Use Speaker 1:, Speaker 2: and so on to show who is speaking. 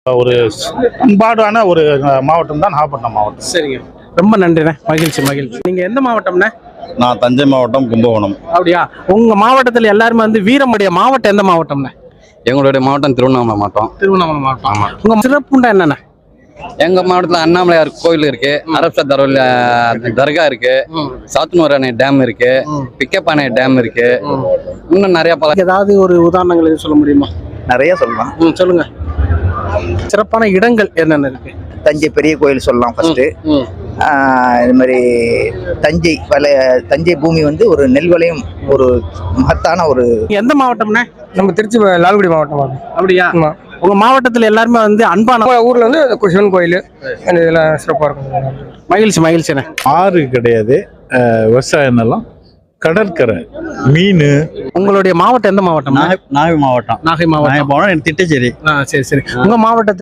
Speaker 1: ஒரு பண்பாடான ஒரு மாவட்டம் தான் நாகப்பட்டினம் மாவட்டம்.
Speaker 2: சரிங்க, ரொம்ப நன்றிண்ணே. மகிழ்ச்சி மகிழ்ச்சி. நீங்க எந்த மாவட்டம்ண்ணே?
Speaker 1: நான் தஞ்சை மாவட்டம், கும்பகோணம்.
Speaker 2: அப்படியா? உங்க மாவட்டத்தில் எல்லாருமே வந்து வீரமுடைய மாவட்டம் எந்த மாவட்டம்ண்ணே?
Speaker 3: எங்களுடைய மாவட்டம் திருவண்ணாமலை மாவட்டம்.
Speaker 2: திருவண்ணாமலை மாவட்டம். உங்க சிறப்புண்டா என்னண்ணே?
Speaker 3: எங்க மாவட்டத்தில் அண்ணாமலையார் கோயில் இருக்கு, அரப்சா தர்கா இருக்கு, சாத்தனூர் அணை டேம் இருக்கு, பிக்கப் அணை டேம் இருக்கு, இன்னும் நிறைய பல.
Speaker 2: ஏதாவது ஒரு உதாரணங்கள் எதுவும் சொல்ல முடியுமா?
Speaker 4: நிறைய சொல்லலாம்.
Speaker 2: சொல்லுங்க. சிறப்பான இடங்கள் என்னென்ன இருக்கு?
Speaker 4: தஞ்சை பெரிய கோயில் சொல்லலாம் ஃபர்ஸ்ட். இது மாதிரி தஞ்சை பூமி வந்து ஒரு நெல் விளையும் ஒரு மகத்தான ஒரு.
Speaker 2: எந்த மாவட்டம்னா?
Speaker 5: நம்ம திருச்சி லால்குடி மாவட்டம்.
Speaker 2: அப்படியா? உங்க மாவட்டத்தில் எல்லாருமே வந்து அன்பான
Speaker 5: ஊர்ல வந்து சிவன் கோயில் இதெல்லாம் சிறப்பா இருக்கும்.
Speaker 2: மகிழ்ச்சி மகிழ்ச்சிண்ணே.
Speaker 1: ஆறு கிடையாது, விவசாய நிலம், கடற்கரை, மீன்.
Speaker 2: உங்களுடைய மாவட்டம் எந்த மாவட்டம்?
Speaker 6: நாகை மாவட்டம்.
Speaker 2: நாகை மாவட்டம்.
Speaker 6: திட்டச்சேரி.
Speaker 2: சரி சரி. உங்க மாவட்டத்தில்